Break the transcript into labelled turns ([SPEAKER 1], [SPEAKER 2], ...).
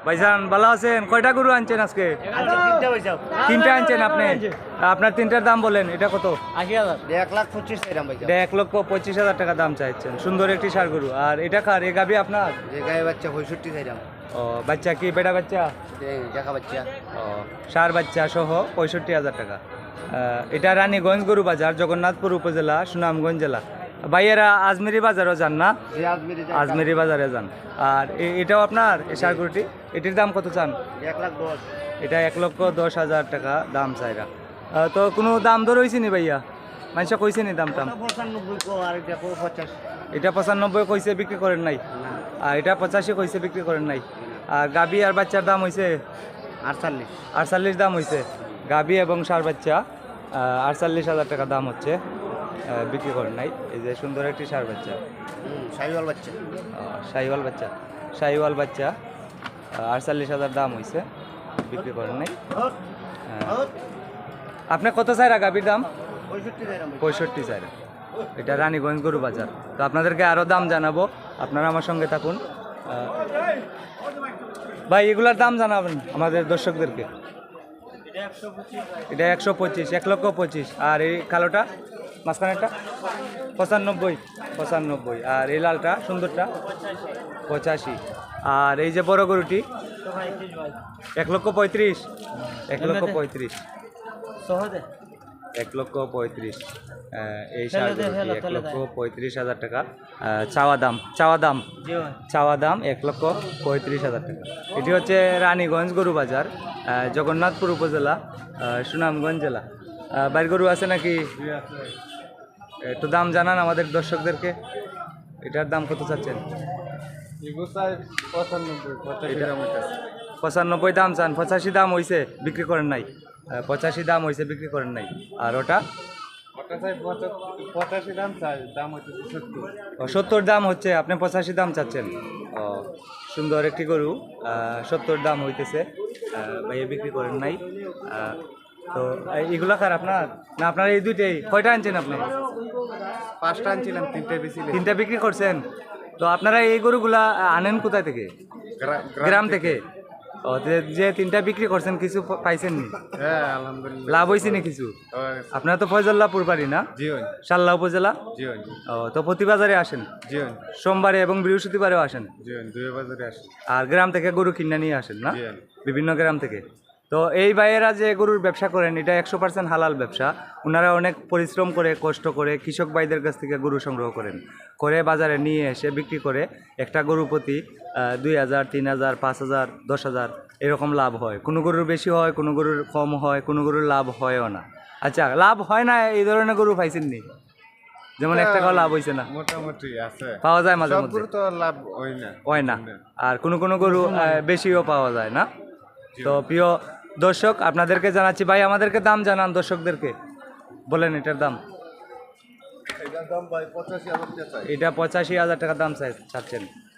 [SPEAKER 1] ভাইজান ভালো আছেন? কয়টা গরু আনছেন আজকে? তিনটা আনছেন আপনি? আপনার তিনটার দাম বলেন, এটা কত?
[SPEAKER 2] 80,000।
[SPEAKER 1] 1,25,000 টাকা দাম চাইছেন। সুন্দর একটি ষাঁড় গরু। আর এটা কার? এ গাবি আপনার?
[SPEAKER 2] গায়ে বাচ্চা 65 চাইলাম।
[SPEAKER 1] ও, বাচ্চা কি বেটা বাচ্চা?
[SPEAKER 2] দেখা বাচ্চা।
[SPEAKER 1] ও, ষাঁড় বাচ্চা সহ 65,000 টাকা। এটা রানীগঞ্জ গরু বাজার, জগন্নাথপুর উপজেলা, সুনামগঞ্জ জেলা। ভাইয়েরা আজমেরি বাজারও যান না? আজমেরি বাজারে যান। আর এটাও আপনার এই ষাঁড় গরুটি? এটির দাম কত চান?
[SPEAKER 2] 1,10,000।
[SPEAKER 1] এটা 1,10,000 টাকা দাম চাইরা। তো কোনো দাম দর হয়েছে নি ভাইয়া? মানুষ কইছে নি দাম টাম?
[SPEAKER 2] 95 কো আর এটা 50।
[SPEAKER 1] এটা 95 কইছে, বিক্রি করেন নাই? আর এটা 85 কইছে, বিক্রি করেন নাই? আর গাবি আর বাচ্চার দাম হয়েছে
[SPEAKER 2] 48।
[SPEAKER 1] 48 দাম হয়েছে। গাবি এবং ষাঁড় বাচ্চা 48,000 টাকা দাম হচ্ছে, বিক্রি করেন নাই। এই যে সুন্দর একটি ষাঁড় বাচ্চা,
[SPEAKER 2] শাহিওয়াল বাচ্চা।
[SPEAKER 1] শাহিওয়াল বাচ্চা, শাহিওয়াল বাচ্চা 48,000 দাম হয়েছে, বিক্রি করেন নাই। আপনি কত চাইরা গাবির দাম?
[SPEAKER 2] 65 চাইলাম।
[SPEAKER 1] 65 চাইরা। এটা রানীগঞ্জ গরু বাজার। তো আপনাদেরকে আরও দাম জানাবো, আপনারা আমার সঙ্গে থাকুন। ভাই এগুলার দাম জানাবেন আমাদের দর্শকদেরকে। এটা 125, 1,25,000। আর এই কালোটা মাঝখানেরটা 95। আর এই লালটা সুন্দরটা 85। আর এই যে বড় গরুটি 1,35,000। 1,35,000। 1,35,000। এই ষাঁড় গরুটি 1,35,000 টাকা চাওয়া দাম। 1,35,000 টাকা। এটি হচ্ছে রানীগঞ্জ গরু বাজার, জগন্নাথপুর উপজেলা, সুনামগঞ্জ জেলা। বাইর গরু আছে নাকি? একটু দাম জানান আমাদের দর্শকদেরকে। এটার দাম কত চাচ্ছেন? 95 দাম চান। 85 দাম হয়েছে, বিক্রি করেন নাই? 85 দাম হয়েছে, বিক্রি করেন নাই। আর ওটা 70 দাম হচ্ছে, আপনি 85 দাম চাচ্ছেন। ও, সুন্দর একটি গরু 70 দাম হইতেছে, ভাইয়া বিক্রি করেন নাই। তো এগুলা কার আপনার? না আপনার এই দুইটাই? কয়টা আনছেন আপনি?
[SPEAKER 2] 5টা আনছিলাম, 3টে বেশি।
[SPEAKER 1] 3টা বিক্রি করছেন? তো আপনারা এই গরুগুলা আনেন কোথায় থেকে? গ্রাম থেকে? ও, যে 3টা বিক্রি করছেন কিছু পাইছেন নি?
[SPEAKER 2] হ্যাঁ আলহামদুলিল্লাহ,
[SPEAKER 1] লাভ হয়েছে নি কিছু? আপনারা তো ফয়জল্লাপুর বাড়ি না?
[SPEAKER 2] জি
[SPEAKER 1] সাল্লা উপজেলা?
[SPEAKER 2] জি
[SPEAKER 1] ও, তো প্রতি বাজারে আসেন?
[SPEAKER 2] জি
[SPEAKER 1] সোমবারে এবং বৃহস্পতিবারেও আসেন?
[SPEAKER 2] জি, দুই বাজারে আসে।
[SPEAKER 1] আর গ্রাম থেকে গরু কিনে নিয়ে আসেন না?
[SPEAKER 2] জি।
[SPEAKER 1] বিভিন্ন গ্রাম থেকে। তো এই ভাইয়েরা যে গরুর ব্যবসা করেন, এটা 100% হালাল ব্যবসা। ওনারা অনেক পরিশ্রম করে, কষ্ট করে কৃষক ভাইদের কাছ থেকে গরু সংগ্রহ করে বাজারে নিয়ে এসে বিক্রি করে। একটা গরু প্রতি 2,000, 3,000, 5,000, 10,000 এরকম লাভ হয়। কোনো গরুর বেশি হয়, কোনো গরুর কম হয়, কোনো গরুর লাভ হয়ও না। আচ্ছা, লাভ হয় না এই ধরনের গরু পাইছেন নি? যেমন 1 টাকাও লাভ হয়েছে না?
[SPEAKER 2] মোটামুটি আছে,
[SPEAKER 1] পাওয়া যায় মাঝে
[SPEAKER 2] সব
[SPEAKER 1] মধ্যে?
[SPEAKER 2] গরু তো লাভ হয় না।
[SPEAKER 1] আর কোনো গরু বেশিও পাওয়া যায় না। তো প্রিয় দর্শক, আপনাদেরকে জানাচ্ছি, ভাই আমাদেরকে দাম জানান দর্শকদেরকে, বলেন এটার দাম।
[SPEAKER 2] এটার দাম ভাই 85,000 টাকা চাই।
[SPEAKER 1] এটা 85,000 টাকা দাম চাচ্ছেন।